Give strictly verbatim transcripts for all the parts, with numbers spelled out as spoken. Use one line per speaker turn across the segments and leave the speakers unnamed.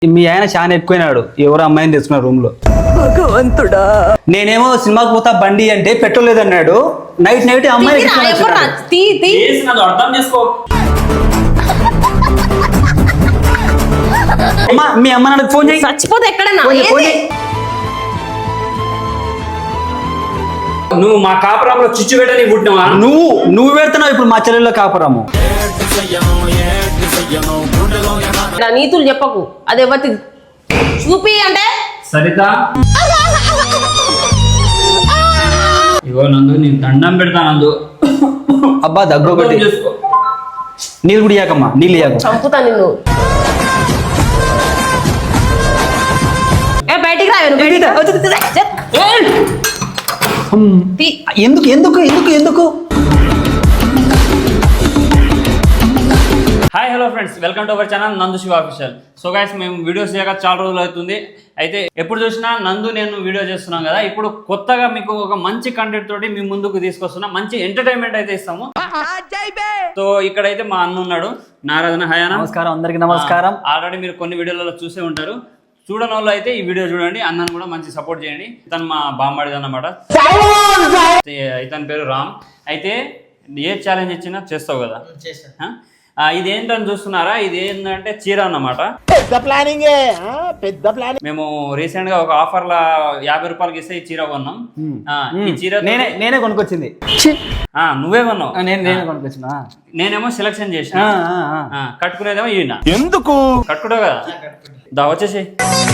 మీ ఆయన చాలా ఎక్కువైనాడు, ఎవరు అమ్మాయిని తెచ్చుకున్న రూమ్ లో.
భగవంతుడా,
నేనేమో సినిమాకి పోతా బండి అంటే పెట్రోల్ లేదన్నాడు. నైట్ నైట్ అమ్మాయి
అర్థం చేసుకో.
మీ అమ్మ నాకు ఫోన్ చేయి.
చచ్చిపోతే ఎక్కడన్నా
నువ్వు మా కాపురంలో చిచ్చు పెట్టని పుట్టినవా?
నువ్వు నువ్వు పెడుతున్నావు ఇప్పుడు మా చెల్లెల్లో కాపురము.
నీతులు చెప్పకు, అది ఎవరి చూపి అంటే
సరిత. ఇగో నందు, నేను దండం పెడతా నందు.
అబ్బా దగ్గు ఒకటి. నీళ్ళు కూడా ఇయ్యాకమ్మా, నీళ్ళు ఇయ్యాక
చంపుతా నిన్ను. ఏ బయటికి రా.
ఎందుకు ఎందుకు ఎందుకు ఎందుకు
hi hello friends, welcome to our channel Nandu Shiva official. So guys, మేము వీడియోస్ చేయక చాలా రోజులు అవుతుంది. అయితే ఎప్పుడు చూసినా నందు నేను వీడియో చేస్తున్నాం కదా, ఇప్పుడు కొత్తగా మీకు ఒక మంచి కంటెంట్ తోటి మీ ముందుకు తీసుకొస్తున్నా. మంచి ఎంటర్టైన్మెంట్ అయితే ఇస్తాము. సో ఇక్కడైతే మా అన్న ఉన్నాడు, నారాధన. హాయ్ అన్న.
నమస్కారం, అందరికి నమస్కారం.
ఆల్రెడీ మీరు కొన్ని వీడియోలలో చూసే ఉంటారు. చూడని వాళ్ళు అయితే ఈ వీడియో చూడండి. అన్నను కూడా మంచి సపోర్ట్ చేయండి. ఇతను మా బామ్మడిది అన్నమాట. ఇతని పేరు రామ్. అయితే ఏ ఛాలెంజ్ ఇచ్చినా చేస్తావు కదా. ఇది ఏంటని చూస్తున్నారా, ఇది ఏంటంటే చీర అన్నమాట.
పెద్ద ప్లానింగ్ పెద్ద ప్లానింగ్.
మేము రీసెంట్ గా ఒక ఆఫర్ లా యాభై రూపాయలకి ఇస్తే ఈ చీర కొన్నాం. ఈ చీర
నేనే నేనే కొనుక్కొచ్చింది.
నువ్వే కొన్నావు?
నేను నేనే కొనుక్కొచ్చిన.
నేనేమో సెలెక్షన్ చేసిన. కట్టుకునేదేమో ఈయన.
ఎందుకు
కట్టుకుంటావు కదా, దా వచ్చేసి.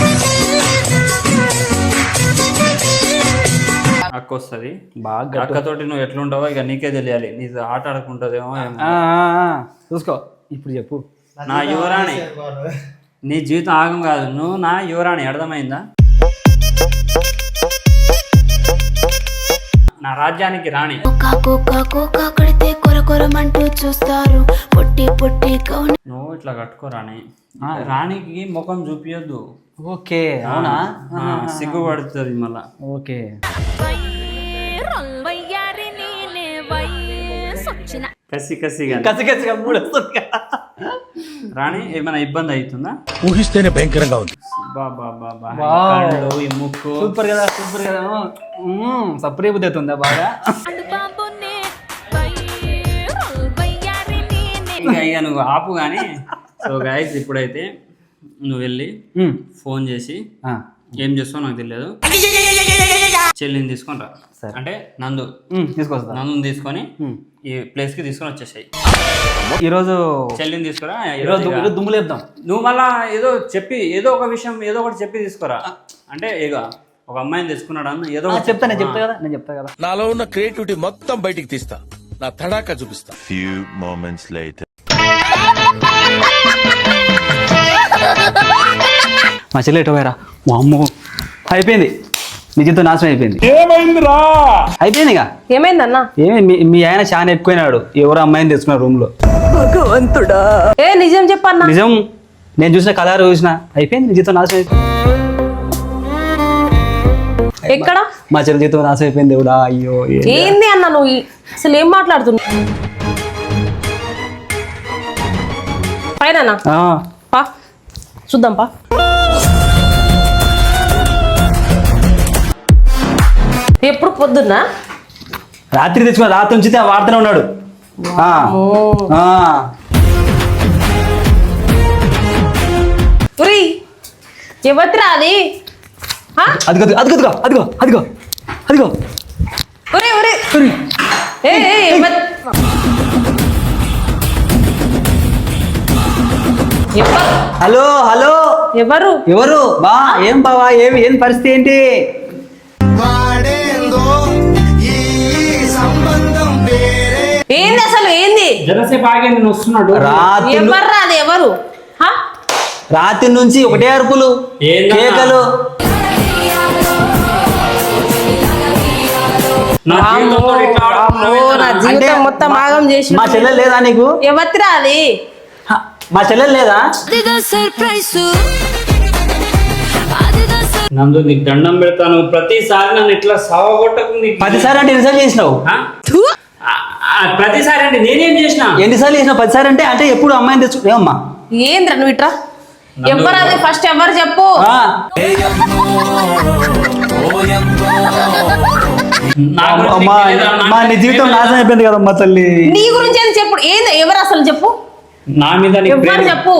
అక్క వస్తుంది బాగా. అక్కతోటి నువ్వు ఎట్లుంటావో ఇక నీకే తెలియాలి. నీ ఆట ఆడుకుంటుందేమో.
చూసుకో, ఇప్పుడు చెప్పు.
నా యువరాణి, నీ జీవితం ఆగం కాదు, నువ్వు నా యువరాణి. అర్థమైందా? నా రాజ్యానికి రాణి. నువ్వు ఇట్లా కట్టుకో రాణి. రాణికి ముఖం చూపియొద్దు.
ఓకే, అవునా?
సిగ్గుపడుతుంది మళ్ళా.
ఓకే.
కసి కసిగా
కసి కసిగా మూడు
రాణి, ఏమైనా ఇబ్బంది అవుతుందా?
ఊహిస్తేనే భయంకరంగా ఉంది.
ఈ ముక్కు
సూపర్ కదా, సూపర్ కదా. సపరే బుద్ధి అవుతుందా బాగా?
ఇంకా ఇక నువ్వు ఆపు కానీ. సో గైస్, ఇప్పుడైతే నువ్వు వెళ్ళి ఫోన్ చేసి ఏం చేస్తావు నాకు తెలియదు, చెల్లిని తీసుకొని రా. అంటే నందు
తీసుకొస్తా.
నందుని తీసుకొని ఈ ప్లేస్ కి తీసుకొని వచ్చేసాయి.
ఈరోజు
చెల్లిని తీసుకురా.
ఈరోజు దుమ్ము లేపుదాం.
నువ్వు మళ్ళా ఏదో చెప్పి ఏదో ఒక విషయం ఏదో ఒకటి చెప్పి తీసుకురా. అంటే ఇక ఒక అమ్మాయిని తెచ్చుకున్నాడు అన్న ఏదో
చెప్తా. నేను చెప్తా కదా, నేను చెప్తా కదా.
నాలో ఉన్న క్రియేటివిటీ మొత్తం బయటికి తీస్తా, నా తడాకా చూపిస్తా.
Few moments later.
మా చెల్లి ఎటు పోయారా? మా అమ్మ అయిపోయింది, నీ జీవితం నాశనం అయిపోయింది.
ఏమైందిరా?
అయిపోయింది ఇక.
ఏమైందన్నా?
ఏమి మీ ఆయన చాలా ఎక్కువైనాడు, ఎవరు అమ్మాయిని తెచ్చుకున్న రూమ్ లో.
భగవంతుడా, ఏ నిజం చెప్పన్నా?
నిజం, నేను చూసిన కలర్ చూసిన. అయిపోయింది, నీ జీవితం నాశనం అయిపోయింది.
ఎక్కడ?
మా చెల్లి జీవితం నాశనం అయిపోయింది. దేవుడా, అయ్యో.
ఏంది అన్న నువ్వు అసలు ఏం మాట్లాడుతున్నావు? పైన పా చూద్దాం పా. ఎప్పుడు పొద్దున్న?
రాత్రి తెచ్చుకున్నా, రాత్రి ఉంచితే వాడుతూనే ఉన్నాడు.
ఎవరిరా అది?
అదిగో అదిగో అదిగో అదిగో అదిగో.
ఒరే ఒరే,
హలో హలో,
ఎవరు
ఎవరు బా? ఏం బావా, ఏమి ఏం పరిస్థితి ఏంటి?
ఏంది అసలు ఏంది?
జరసేపు ఆగే నేను వస్తున్నాడు.
ఎవర్రా అది? ఎవరు?
రాత్రి నుంచి ఒకటే అరుపులు, కేకలు.
మొత్తం ఆగం చేసి.
మా చెల్లెలు లేదా నీకు?
ఎవరిరా అది?
మా చెల్లెలు లేదా?
నందు, నీకు దండం పెడతాను. ప్రతిసారి నన్ను ఇట్లా సావగొట్టకు.
పదిసారి అంటే ఎన్నిసార్లు చేసినావు?
ప్రతిసారి అంటే నేనేం చేసిన?
ఎన్నిసార్లు చేసినావు? పదిసారి అంటే అంటే ఎప్పుడు అమ్మాయిని తెచ్చుకో. ఏమమ్మా
ఏంద్రా నువ్వు ఇట్రా? ఎవరు అది ఫస్ట్ ఎవరు చెప్పు
ఆ,
నా గురించి
అమ్మా,
నీకు తెలీదా? నా
మా నీ
మీద
జీవితం
ప్రేమ
నాశనం అయిపోయింది కదమ్మా తల్లి.
నీ గురించి ఏది చెప్పు ఏంది ఎవరు అసలు చెప్పు
నా మీద నీకు
ఎవరు
ప్రేమ
చెప్పు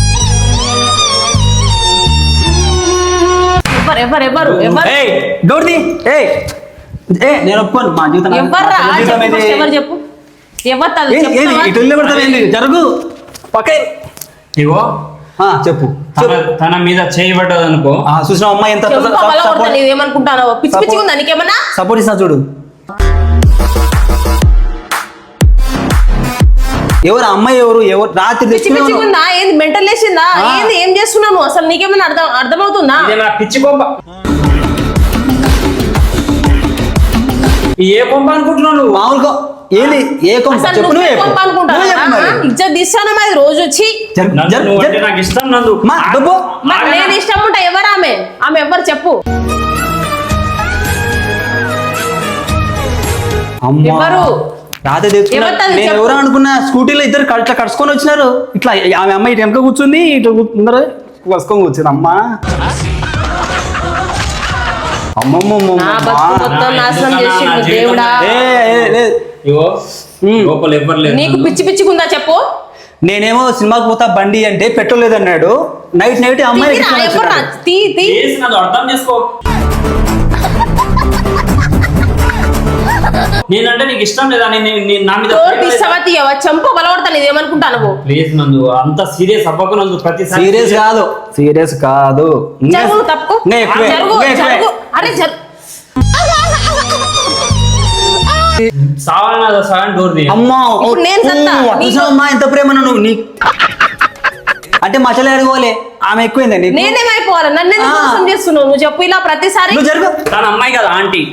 ఎవరు ఎవరు ఎవరు ఎవరు
ఏయ్ డోర్ తీ. ఏయ్ ఏ నేను ఒప్పుకోను మా జీవితం నాశనం-
ఎవర్రా
మా జీవితం
చెప్పు
ఇది.
first ఎవరు చెప్పు ఎవరు అది
ఏది- ఏది
చెప్తావా?
ఇటు వెళ్ళి పడతావేంది? జరుగు పక్కే.
ఇగో
ఆ, చెప్పు
తన తన మీద చేయబడ్డది అనుకో.
ఆ, చూసిన అమ్మాయి ఎంత
చెప్పు పగల కొడతా నీవేమనుకుంటానో పిచ్చి పిచ్చి ఉందా నీకేమన్నా
సపోర్ట్ ఇస్తున్నా చూడు. ఎవరు అమ్మాయి ఎవరు ఎవరు రాత్రి
పిచ్చి పిచ్చి
తెచ్చుకునే
ఉందా ఏంది మెంటల్ లేచిందా
ఆ.
ఏంది ఏం చేస్తున్నావు నువ్వు? అసలు నీకేమైనా అర్థం అర్థమవుతుందా
ఇదే నా పిచ్చి కొంప. ఈ ఏ కొంప అనుకుంటున్నావు నువ్వు?
మామూలుగా ఏంది ఏ కొంప
అసలు
చెప్పు
నువ్వు
నువ్వే చెప్పు.
కోపం అనుకుంటావా?
నువ్వే చెప్పు మరి.
ఆ? ఇజ్జత్ తీస్తాను మరి రోజు వచ్చి
జరుగు,
నందు,
జరుగు,
నువ్వు అంటే
జరుగు.
నాకు ఇష్టం నందు.
మా డబ్బు
మరి
ఆగనా?
నేను ఇష్టం ఉంటా ఎవరు ఆమె ఆమె ఎవరు చెప్పు
అమ్మా
ఎవరు?
రాత్రి తెచ్చుకున్నా
ఎవరిది
నేను
చెప్పు.
ఎవరు అనుకున్నా స్కూటీలో ఇద్దరు క- ఇట్లా కడుచుకొని వచ్చినారు. ఇట్లా ఆమె అమ్మాయి ఇటు వెనక కూర్చుంది ఇటు ముందర కలుసుకొని కూర్చుంది. అమ్మా అమ్మమ్మమ్మ
నా బతుకు మొత్తం నాశనం చేసిండు దేవుడా
ఇగో
ఉమ్.
లోపల ఎవ్వరు లేరు
నీకు
నందు.
పిచ్చి పిచ్చిగుందా చెప్పు
నేనేమో సినిమాకి పోతా బండి అంటే పెట్రోల్ లేదన్నాడు. నైట్ నైట్ అమ్మాయి
తీరా,
ఎక్కించుకొని
ఎవర్రా?
వచ్చినాడు.
తీ తీ
ప్లీజ్ నందు, అర్థం చేసుకో. నేనంటే నీకు ఇష్టం లేదా? నేను నేను- నా మీద
డోర్ తీస్తావా తీయవా చెంపు బలపడతాను ఇదేమనుకుంటా నువ్వు
ప్లీజ్ నందు, అంత సీరియస్ అవ్వకు నందు. ప్రతిసారి
సీరియస్ కాదు సీరియస్ కాదు ఇంకా-
జరుగు తప్పు
ఇంకా ఎక్కువే,
జరుగు
ఇంకా ఎక్కువే.
జరుగు అరే జరుగు
సావన సగం డోర్ తీయ.
అమ్మా
ఇప్పుడు నేను సత్తా.
ఓ,
నీకు-
చూసావా అమ్మా ఎంత ప్రేమ నువ్వు నీ అంటే మా చెల్లె అడుగుకోలే ఆమె ఎక్కువైందా నీకు?
నేనేమైపోవాలి నన్ను ఎందుకు
ఆ.
మోసం చేస్తున్నావు నువ్వు చెప్పు ఇలా ప్రతిసారి
నువ్వు జరుగు.
తన అమ్మాయి కదా ఆంటీ.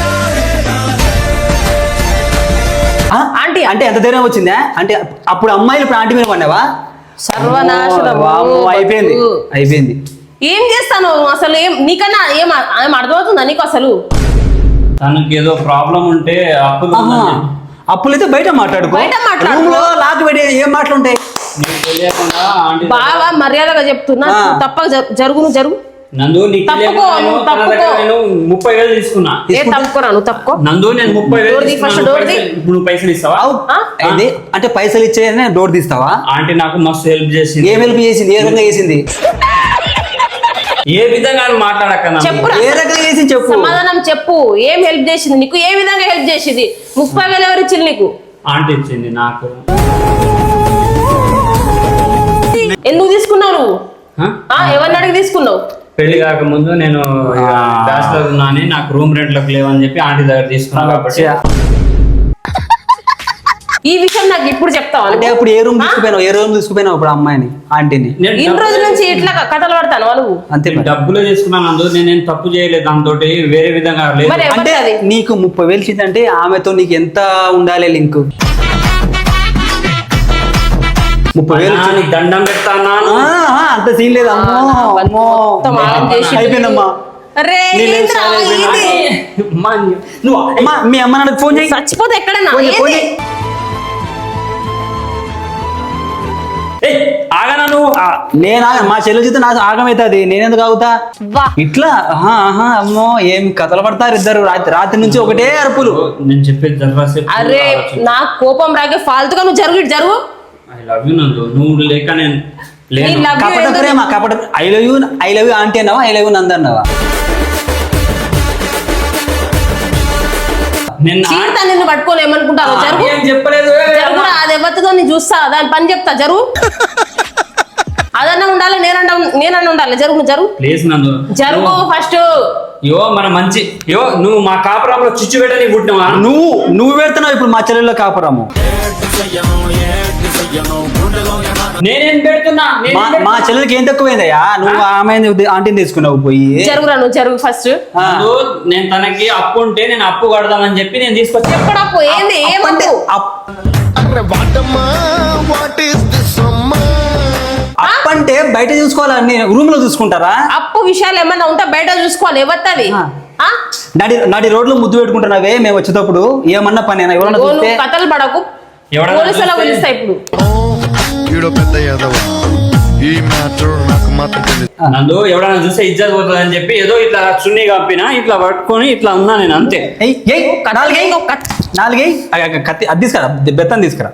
ఆ?
ఆంటీ
అంటే ఎంత ధైర్యం వచ్చిందా? అంటే అప్పుడు అమ్మాయిలు ఇప్పుడు ఆంటీ మీద పడినావా?
సర్వనాశనము,
వామ్మో, అయిపోయింది
బతుకు.
అయిపోయింది.
ఏం చేస్తాను అసలు ఏం నీకన్నా ఏం ఏం అర్థమవుతుందా నీకు అసలు
తనకి ఏదో ప్రాబ్లం ఉంటే అప్పులు
ఆహా.
ఉందని
అప్పులైతే బయట మాట్లాడుకో.
బయట మాట్లాడుకో.
రూమ్ లో లాక్ పెట్టి ఏం మాటలుంటాయి?
నీకు తెలియకుండా ఆంటీ
బాగా మర్యాదగా చెప్తున్నా
ఆ.
నువ్వు తప్పక జరు- జరుగు నువ్వు జరుగు
నందు నీకు
తప్పుకో,
తెలియకుండా నేను
నువ్వు
తన దగ్గర
తప్పుకో.
నేను ముప్పై వేలు తీసుకున్నా.
ఏ
తీసుకుంటే-
తప్పుకోరా నువ్వు తప్పుకో
నందు నేను ముప్పై వేలు
డోర్ తీ,
తీసుకున్నా.
ఫస్ట్
నువ్వు
డోర్ తీ.
పైసలు- ఇప్పుడు నువ్వు పైసలు ఇస్తావా?
అవు.
ఆ?
ఏంది? అంటే పైసలు ఇచ్చేయనే డోర్ తీస్తావా?
ఆంటీ నాకు మస్తు హెల్ప్ చేసింది.
ఏం హెల్ప్ చేసింది? ఏ రకంగా చేసింది?
ఏ విధంగా అని మాట్లాడక్క నందు.
చెప్పురా
ఏ రకంగా చేసింది చెప్పు.
సమాధానం చెప్పు ఏం హెల్ప్ చేసింది నీకు ఏ విధంగా హెల్ప్ చేసింది ముప్పై వేలు ఎవరు ఇచ్చింది నీకు
ఆంటీ ఇచ్చింది నాకు.
ఎందుకు తీసుకున్నావు నువ్వు
హ?
ఆ ఎవరిని అడిగి తీసుకున్నావు
పెళ్లి కాకముందు నేను బ్యాచిలర్ ఉన్నా అని నాకు రూమ్ రెంట్లకు లేవని చెప్పి ఆంటీ దగ్గర తీసుకున్నాను కాబట్టి
ఈ విషయం నాకు ఇప్పుడు చెప్తావా
అంటే
నువ్వు?
అప్పుడు ఏ రూమ్
ఆ?
తీసుకుపోయినావు? ఏ రూమ్ తీసుకుపోయినావు ఇప్పుడు అమ్మాయిని ఆంటీని?
నేను
ఇన్ని
డబ్బులు-
రోజుల నుంచి ఇట్లా కథలు పడతాను నువ్వు
అంతే
నేను
మరి.
డబ్బులు తీసుకున్నాను అందు నేనేం తప్పు చేయలేదు దాంతో వేరే విధంగా లేదు.
మరి
అంటే
ఎవరిది అది?
నీకు ముప్పై వేలు ఇచ్చిందంటే ఆమెతో నీకు ఎంత ఉండాలి లింక్? ముప్పై వేలు
అన్నా, నీకు దండం పెడతాను.
ఆహా, అంత సీన్ లేదు. అమ్మో అమ్మో
మొత్తం ఆగం చేసిండు.
అయిపోయిందమ్మా.
అరే
నీ లైఫ్
ఏంట్రా
స్టైల్ అయిపోయింది.
ఇది?
అమ్మా, నువ్వు
అమ్మా మీ అమ్మ నాన్నకి ఫోన్ చేయి.
చచ్చిపోతే ఎక్కడన్నా
ఫోన్ చేయి, ఫోన్
ఏంది?
చేయి.
ఏయ్, ఆగనా నువ్వు?
ఆ, నేను ఆగ మా చెల్లి చేత నాకు ఆగమవుతుంది. నేనెందుకు ఆగుతా?
వా
ఇట్లా ఆహా, ఆహా, అమ్మో ఏం కథలు పడతారు ఇద్దరు. రాత్రి రాత్రి నుంచి ఒకటే అరుపులు.
నేను చెప్పేది జరసేపు
అరే నాకు కోపం రాకే ఫాల్తుగా నువ్వు జరుగు ఇటు జరుగు
ఐ లవ్ యూ నందు. నువ్వు లేక నేను
నీ
లేను.
లవ్ యూ
కపట
ఎందుకు?
ప్రేమ కపట I love you I love you aunty అన్నావా? ఐ లవ్ యూ నంద అన్నావా?
నేను ఆ-
చీడతా నిన్ను పట్టుకోని ఏమనుకుంటావు జరుగు
ఏం చెప్పలేదు.
జరుగురా అది ఎవరితో నేను చూస్తా దాని పని చెప్తా జరుగు అదన్నా ఉండాలి నేనన్నా నేనన్నా ఉండాలి జరుగు నువ్వు జరుగు
ప్లీజ్ నందు.
జరుగు ఫస్ట్
యో మన మంచి యో నువ్వు మా కాపురంలో చిచ్చు పెట్టని పుట్టినవా?
నువ్వు నువ్వు పెడుతున్నావు ఇప్పుడు మా చెల్లెల్లో కాపురము.
నేనేం పెడుతున్నా? నేనేం
మా
పెడుతున్నా?
మా చెల్లెలకి ఏం తక్కువైందయ్యా? నువ్వు ఆమె ఆంటీని తీసుకున్నావు పోయి.
జరుగురా నువ్వు జరుగు ఫస్ట్
ఆ.
నందు, నేను తనకి అప్పు ఉంటే నేను అప్పు కడదామని చెప్పి నేను తీసుకొచ్చా.
ఎక్కడప్పు ఏంది
అంటే
ఏమంటే
అప్- అప్పంటే బయట చూసుకోవాలని రూమ్ లో చూసుకుంటారా?
అప్పు విషయాలు ఏమన్నా ఉంటే బయట చూసుకోవాలి ఎవరిది
ఆ. నడి నడి రోడ్లో ముద్దు పెట్టుకుంటున్నావే మేము వచ్చేటప్పుడు. ఏమన్నా పని ఎవరన్నా చూస్తే
నువ్వు కథలు పడకు
ఎవడన్నా
పోలీసులు
చూస్తే-
పిలుస్తా ఇప్పుడు
ఈడో పెద్ద యాదవ ఈ మ్యాటర్ నాకు
మాత్రం తెలియదు.
నందు ఎవడన్నా చూస్తే ఇజ్జత్ పోతుంది అని చెప్పి ఏదో ఇట్లా చున్నీ కప్పినా ఇట్లా పట్టుకొని ఇట్లా ఉన్నా నేను అంతే.
ఏయ్ ఏయ్ నాలుగేయ్ నాలుగేయ్ అగ- అగ కత్తి అది తీసుకురా బెత్తం తీసుకురా.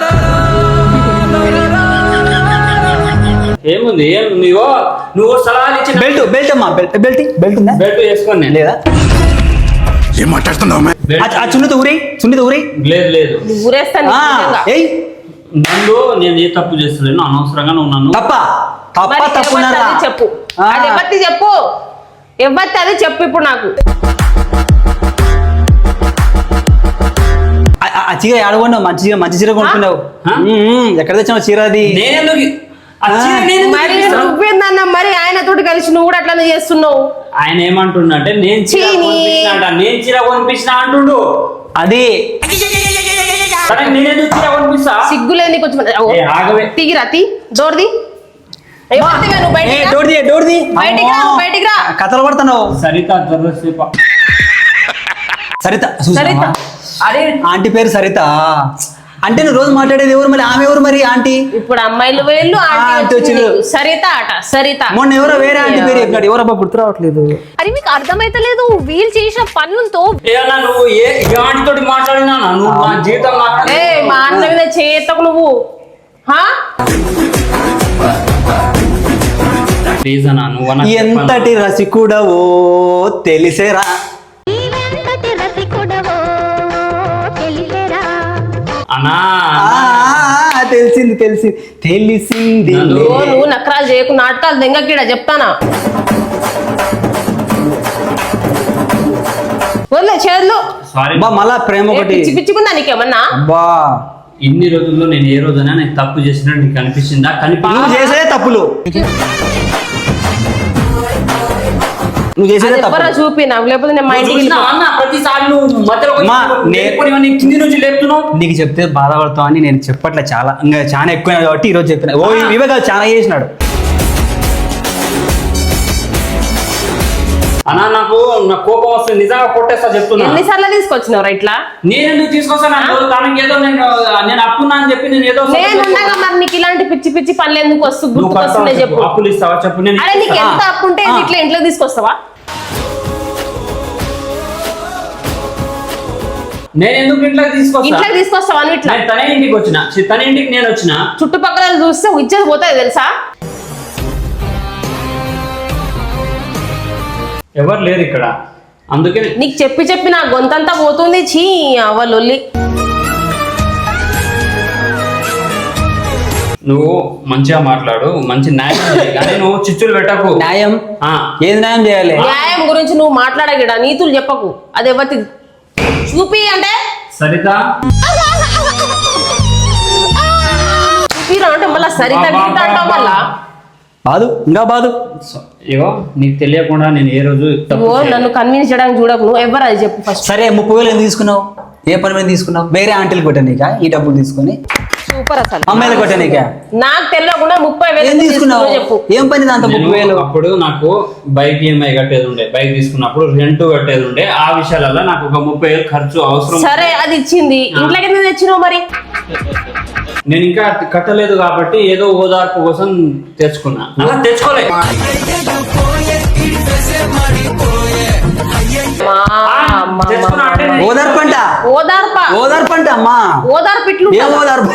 ఏముంది ఏం నువ్వు నువ్వు సలహాలు ఇచ్చిన
బెల్ట్ బెల్ట్ అమ్మా బెల్ట్ బెల్ట్ బెల్ట్ ఉందా
బెల్ట్ వేసుకొని నేను.
లేదా
ఏం మాట్లాడుతున్నావు
బెల్ట్
ఆ చున్నీతో ఊరేయ్ చున్నీతో ఊరేయ్.
లేదు లేదు
ఊరేస్తాను
ఆ, ఏయ్
నందు నేను ఏ తప్పు చేస్తలేను అనవసరంగా నువ్వు నన్ను
తప్ప తప్ప తప్పున్నారా
చెప్పు
ఆ.
అది ఎవరిది చెప్పు ఎవరిది అది చెప్పు ఇప్పుడు నాకు
ఆ- ఆ చీర ఆడగొన్నావు మంచి చీర మంచి చీర కొనుక్కున్నావు.
ఆ?
ఉమ్, ఎక్కడ తెచ్చావు చీర అది?
నేనెందుకు ఆ చీర నేనెందుకు
మరి
ఇప్పిస్తాను?
నువ్వేందన్న మరి ఆయనతోటి కలిసి నువ్వు కూడా అట్లానే చేస్తున్నావు.
ఆయన ఏమంటుండ అంటే నేను చీర
చీనీ.
కొనిపించిన అంట నేను చీర కొనిపించిన అంటుండు.
అది
సరే నేనెందుకు చీర కొనిపిస్తా?
సిగ్గులేని కొంచెం
ఏ, ఆగవే.
తిగిరా తి డోర్ది ఎవరిదిగా నువ్వు
ఏ,
బయటికి రా.
డోర్ తీయ్, డోర్ తీయ్.
బయటికి రా,
అమ్మో.
బయటికి రా.
కథలు పడుతున్నావు
సరిత జర్రసేప
సరిత
సరిత.
చూసావా? అరే ఆంటీ పేరు సరిత అంటే నువ్వు రోజు మాట్లాడేది ఎవరు మరి ఆమె ఎవరు మరి ఆంటీ?
ఇప్పుడు అమ్మాయిలు వేళ్ళు
ఆ,
ఆంటీ
ఆంటీ
వచ్చింది.
వచ్చింది.
సరిత అట సరిత
మొన్న ఎవరో వేరే ఆంటీ పేరు చెప్పినాడు ఎవరబ్బా గుర్తు రావట్లేదు.
అది మీకు అర్థమైతలేదు వీళ్ళు చేసిన పనులతో
ఏమన్నా నువ్వు ఏ ఏ ఆంటీతోటి మాట్లాడినా నువ్వు నా జీవితం మాట్లాడి
ఏ మా అన్న మీద చేతకు నువ్వు హా
ప్లీజ్ అన్నా నువ్వు అన్న
ఎంతటి రసికుడవో తెలిసేరా.
అన్నా
ఆ, ఆ, తెలిసింది తెలిసింది తెలిసింది.
నన్ను-
ఓ నువ్వు నకరాలు చేయకు నాటకాలు దెంగకీడ చెప్తానా వదిలే చేతులు
సారీ
అబ్బా మళ్ళా ప్రేమ
ఏ,
ఒకటి.
పిచ్చి పిచ్చిగుందా నీకేమన్నా
అబ్బా
ఇన్ని రోజుల్లో నేను ఏ రోజైనా నేను తప్పు చేసినట్టు నీకు అనిపించిందా? కనిపి
నువ్వు చేసేదే తప్పులు నువ్వు చేసేదే
అది ఎవరో
తప్పులు.
చూపి నాకు లేకపోతే నేను మా
నువ్వు
ఇంటికి
చూసినావా అన్న? ప్రతిసారి నువ్వు మధ్యలో వచ్చి
మా,
నువ్వు
నే-
లేపుకొని ఇవన్నీ కింది నుంచి లేపుతున్నావు.
నీకు చెప్తే బాధపడతావు అని నేను చెప్పట్లే చాలా ఇంకా చాలా ఎక్కువ కాబట్టి ఈరోజు చెప్పిన ఓ ఇవే కాదు చాలా చేసినాడు.
అన్నా నాకు నా కోపం వస్తుంది నిజంగా కొట్టేస్తా చెప్తున్నా.
ఎన్నిసార్లు తీసుకొచ్చినావు ఇట్లా
నేను ఎందుకు తీసుకొస్తాను నాకు తనకి ఏదో నేను నేను అప్పున్నా అని చెప్పి నేను ఏదో
నేను ఉండగా మరి నీకు ఇలాంటి పిచ్చి పిచ్చి పనులు ఎందుకు వస్తూ
నువ్వు
గుర్తుకొస్తున్నాయి
కడతావా
చెప్పు
చెప్పు, అప్పులు ఇస్తావా చెప్పు నేను
అరే నీకు ఎంత అప్పు ఉంటే
ఆ.
ఇట్లా ఇంట్లో తీసుకొస్తావా
నేను ఎందుకు ఇంట్లోకి తీసుకొస్తా?
ఇంట్లో తీసుకొస్తావా నువ్వు ఇట్లా
నేను తన ఇంటికి వచ్చిన చి- తన ఇంటికి నేను వచ్చిన
చుట్టుపక్కల చూస్తే ఇచ్చేది పోతుంది తెలుసా
ఎవరు లేరు ఇక్కడ అందుకే
నీకు చెప్పి చెప్పి నా గొంతంతా పోతుంది చీ అవ్వలొల్లి
నువ్వు మంచిగా మాట్లాడు మంచి న్యాయం చేయి, కానీ నువ్వు చిచ్చులు పెట్టకు.
న్యాయం
ఆ,
ఏది న్యాయం చేయాలి?
న్యాయం గురించి నువ్వు మాట్లాడగిడా నీతులు చెప్పకు అది ఎవరి చూపి అంటే
సరిత
చూపిరా అంటే మళ్ళా సరిత
బా, బా,
గీత అంటావు
బా.
మళ్ళా
బాదు ఇంకా బాదు.
సో- ఇగో నీకు తెలియకుండా నేను ఏ రోజు తప్పు
నువ్వు
చేయలేదు.
నన్ను కన్విన్స్ చేయడానికి చూడకు నువ్వు ఎవరు అది చెప్పు ఫస్ట్
సరే ముప్పై వేలు ఎందుకు తీసుకున్నావు? ఏ పని మీద తీసుకున్నావు? వేరే ఆంటీలు కొట్టానికా ఈ డబ్బులు తీసుకొని?
సూపర్ అసలు
అమ్మాయిలు కొట్టానికా?
నాకు తెలియకుండా ముప్పై వేలు
ఏం
ఎందుకు
తీసుకున్నావు?
తీసుకున్నావో చెప్పు
ఏం పని దాంతో
నేను
ముప్పై వేలు?
అప్పుడు నాకు బైక్ ఈఎంఐ కట్టేది ఉండే, బైక్ తీసుకున్నప్పుడు రెంట్ కట్టేది ఉండే, ఆ విషయాలలో నాకు ఒక ముప్పై వేలు ఖర్చు అవసరం.
సరే అది ఇచ్చింది ఇంట్లోకి ఎందుకు తెచ్చినావు మరి
నేను ఇంకా కట్టలేదు కాబట్టి ఏదో ఓదార్పు కోసం తెచ్చుకున్నా. అలా తెచ్చుకోలే
మా అమ్మ,
తెచ్చుకున్నా అంటే నేను-
ఓదార్పంట
ఓదార్ప
ఓదార్పంట అమ్మా.
ఓదార్పు ఇట్లు
ఏం ఓదార్పు?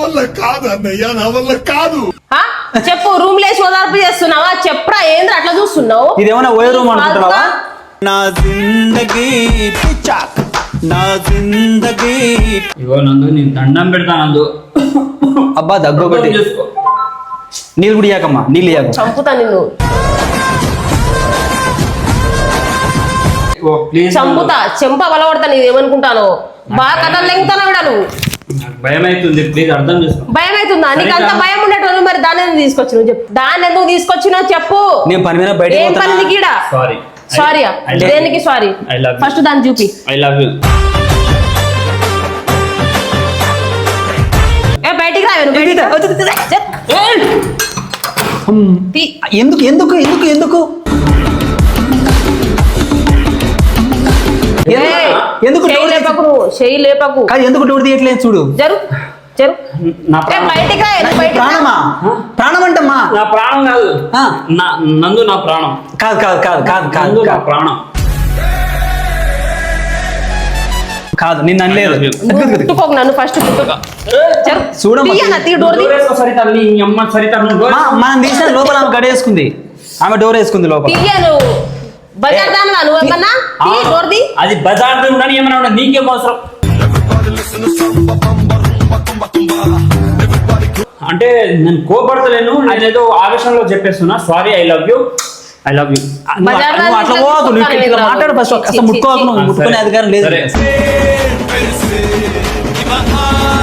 ఆ? చెప్పు రూమ్ లేసి ఓదార్పు చేస్తున్నావా చెప్పురా ఏంద్ర అట్లా చూస్తున్నావు
ఇదేమన్నా ఓయో రూమ్ అనుకుంటున్నావా?
నా జిందగీ పిచ్చాక్ నా జిందగీ
ఇగో నందు నేను దండం పెడతా నందు.
అబ్బా దగ్గు ఒకటి.
అర్థం చేసుకో.
నీళ్ళు కూడా ఇయ్యాకమ్మా నీళ్ళు ఇయ్యాక.
చంపుతా నిన్ను
ఇగో ప్లీజ్
చంపుతా చెంప బలపడతా నీది ఏమనుకుంటాను బాగా కథలు లెంగుతాను కూడా నువ్వు
నాకు భయం అవుతుంది ప్లీజ్ అర్థం చేసుకో.
భయం అవుతుందా నీకు అంత
సరిగ్గా-
భయం ఉండేటోళ్ళు మరి దాన్ని ఎందుకు తీసుకొచ్చినావు చెప్పు దాన్ని ఎందుకు తీసుకొచ్చినావు చెప్పు
నేను పని మీద బయటకు
ఏం పని
పోతున్నా.
నీకు ఈడ
సారీ
సారీ
I love
దేనికి
you.
Sorry
I love you.
First దాన్ని చూపి
ఐ లవ్ యూ.
ఏ బయటికి రా నువ్వు బయటికి రా. చెప్. తీ.
ఎందుకు ఎందుకు ఎందుకు ఎందుకు
ఏయ్,
ఎందుకు
చెయ్యి
డోర్
లేపకు నువ్వు చెయ్యి లేపకు
కాదు ఎందుకు డోర్ తీయట్లేదు చూడు.
జరు చెరు
నా
ఏ,
ప్రాణం
బయటికి రా నువ్వు బయటికి రా.
ప్రాణమా ప్రాణం అంటమ్మా
నా ప్రాణం కాదు
ఆ.
నా నందు నా ప్రాణం
కాదు కాదు కాదు కాదు కాదు
నందు నా
కాదు
ప్రాణం
కాదు నిన్ను అనలేదు
నువ్వు ముట్టుకోకు నన్ను ఫస్ట్ ముట్టుకో చెరు
చూడమ్మా.
తీయన్న తీ డోర్ తీ.
డోర్ వేసుకో సరిత నీ అమ్మ సరిత నువ్వు డోర్
మా- మనం తీసిన లోపల ఆమె గడేసుకుంది ఆమె డోర్ వేసుకుంది లోపల
తీయ నువ్వు బజార్ దానిలా నువ్వు ఏమన్నా తీ
ఆ,
డోర్ తీ.
అది బజార్ ఉండని ఏమన్నా ఉండదు నీకేం అవసరం అంటే నేను కోపడతలేను నేనేదో ఆవేశంలో చెప్పేస్తున్నా sorry I love you I love you
నువ్వు
బజార్
అట్లా- నువ్వు అట్లా
దానిలా
పోవద్దు నువ్వు ఇక్కడ- ఇక్కడ
తీసుకుంటాను
మాట్లాడు ఫస్ట్
చి, చి,
అసలు ముట్టుకోవద్దు
చి,
నువ్వు ముట్టుకునే అధికారం లేదు
సరే.